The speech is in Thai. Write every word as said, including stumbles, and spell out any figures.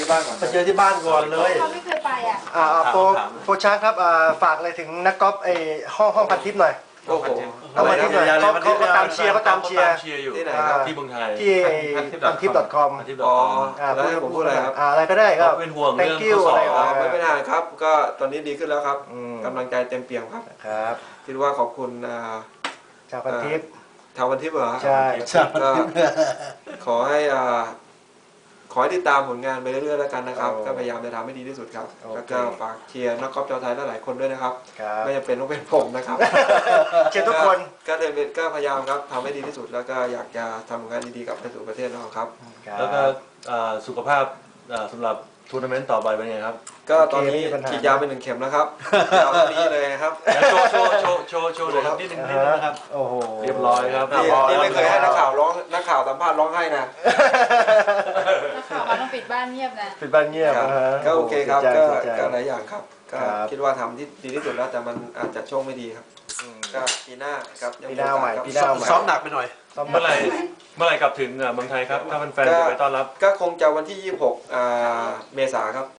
ที่บ้านก่อนมาเจอที่บ้านก่อนเลยเขาไม่เคยไปอ่ะอ่าโปรโปรชาร์ครับอ่าฝากอะไรถึงนักกอล์ฟไอห้องห้องพันทิปหน่อยโอ้โหเอามาที่หน่อยเขาเขาก็ตามเชียร์เขาตามเชียร์อยู่ที่ไหนอ่าครับที่เมืองไทยที่พันทิป .com พันทิปอ๋อ .com แล้วให้ผมพูดอะไรครับอ่าอะไรก็ได้ครับเป็นห่วงเรื่อง thank you ข้อสอบอะไรอ๋ออ่าไม่เป็นไรครับ ก็ตอนนี้ดีขึ้นแล้วครับอืมกำลังใจเต็มเปี่ยมครับครับคิดว่าขอบคุณอ่าชาวพันทิปชาววันทิพย์เหรอใช่ก็ขอให้อ่าขอให้ติดตามผลงานไปเรื่อยๆแล้วกันนะครับ ก็พยายามจะทำให้ดีที่สุดครับ แล้วก็ฝากเชียร์นักกอล์ฟชาวไทยหลายๆคนด้วยนะครับครับไม่จำเป็นต้องเป็นผมนะครับเชียร์ทุกคนก็เดินเป็นก็พยายามครับทำให้ดีที่สุดแล้วก็อยากจะทำงานดีๆกับไปสู่ประเทศเราครับแล้วก็อ่าสุขภาพอ่าสำหรับทัวร์นาเมนต์ต่อไปเป็นไงครับก็ตอนนี้ฉีดยาไปหนึ่งเข็มแล้วครับยาวเท่านี้เลยครับโชว์โชว์โชว์โชว์โชว์เลยครับนิดนึงนิดนึงนะครับโอ้โหเรียบร้อยครับนี่นี่ไม่เคยให้นักข่าวร้องนักข่าวสัมภาษณ์ร้องไห้นะนักข่าวมาต้องปิดบ้านเงียบนะเป็นบ้านเงียบครับนะฮะก็โอเคครับดีใจก็ดีใจก็หลายอย่างครับก็ครับคิดว่าทำที่ดีที่สุดแล้วแต่มันอาจจะโชคไม่ดีครับอืมก็ปีหน้าครับยังปีหน้าใหม่โอกสปีหน้าใหม่ซ้อมหนักไปหน่อยซ้อมเมื่อไหร่เมื่อไหร่กลับถึงอ่าเมืองไทยครับถ้าแฟนๆจะไปต้อนรับก็คงจะวันที่ยี่สิบหกอ่าเมษาครับ